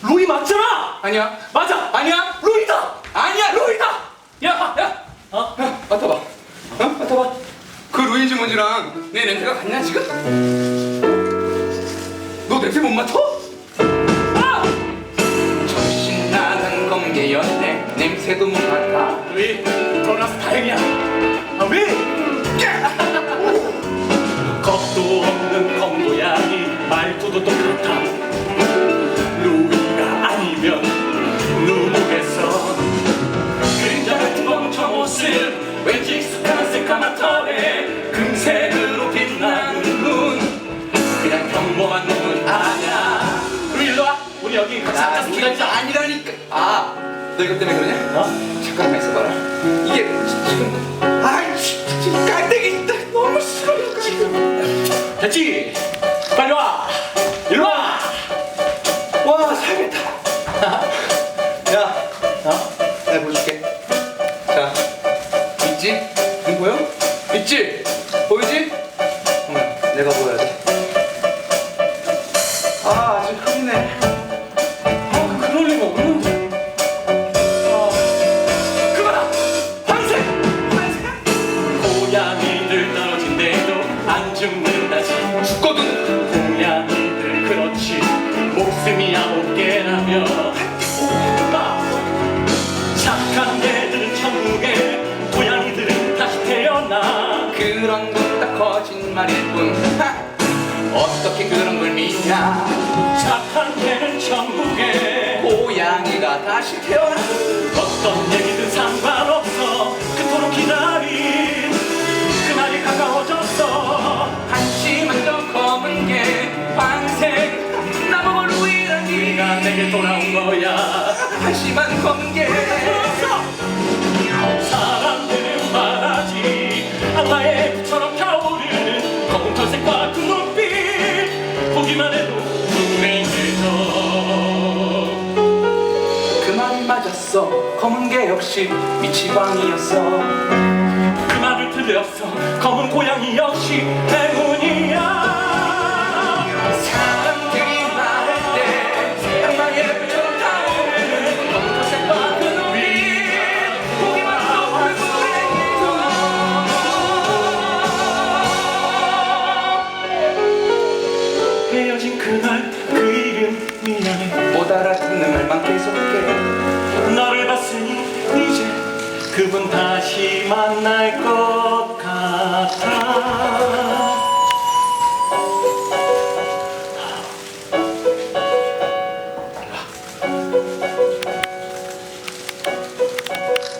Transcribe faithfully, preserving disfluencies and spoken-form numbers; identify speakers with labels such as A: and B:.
A: 로이 맞잖아.
B: 아니야.
A: 맞아.
B: 아니야.
A: 로이다.
B: 아니야.
A: 로이다. 야, 야. 어?
B: 야, 맡아봐. 어? 맡아봐. 그 루이지 몬지랑 내 냄새가 같냐 지금? 너 냄새 못 맡아?
A: 아!
B: 정신 나간 검게였네. 냄새도 못 맡아.
A: 로이, 돌아서 다행이야. 아, 왜? 겁도 없는 검고양이 말투도 똑같아. 루이가 아니면 누구겠어. 그림자 같은 멍청 옷을 왠지 익숙한 새까만 털에 금색으로 빛나는 눈. 그냥 평범한 눈은 아니야. 루이 일로 와. 우리 여기 같이
B: 야,
A: 앉아서
B: 루이가
A: 기다리자.
B: 아니라니까. 아, 너 이것 때문에 그러냐?
A: 어?
B: 잠깐만 있어봐라. 이게 지- 지금 아이 지금 깔때기 있다. 너무 싫어 이거 지금.
A: 됐지? 빨리 와. 일로 와.
B: 와 살겠다. 야,
A: 어?
B: 내가 보여줄게. 자, 있지? 이거 보여? 있지? 보이지? 응, 내가 보여야 돼. 아, 아주 흐리네.
A: 아, 그럴 리가 없는데. 아, 그거다. 황색. 황색. 고양이들 떨어진대도 안 죽는다지.
B: 죽거든.
A: 고양이들 그렇지. 목숨이 아홉 개라며. 아, 착한 개들은 천국에, 고양이들은 다시 태어나.
B: 그런 건 다 거짓말일 뿐. 하! 어떻게 그런 걸 믿냐?
A: 착한 개는 천국에,
B: 고양이가 다시 태어나.
A: 어떤 얘기든 상관없어. 그토록 기다린 그날이 가까워졌어.
B: 한심한 저 검은 게 환생 나보고 루이라니.
A: 네가 내게 돌아온 거야.
B: 한심한 검은 게
A: 사람들은 말하지, 악마의 불처럼 타오르는 검은 털색과 그 눈빛 보기만 해도 눈에 들져.
B: 그 말이 맞았어. 검은 게 역시 미치광이였어.
A: 그 말을 틀렸어. 검은 고양이 역시 행운이야.
B: 사람들이 말할 때 악마의 불처럼 타오르는 검은 털색과 그 눈빛 보기만 해도
A: 헤어진 그날 그 이름 미안해.
B: 못 알아듣는 말만 계속해.
A: 너를 봤으니 이제 그분 다시 만날 것 같아.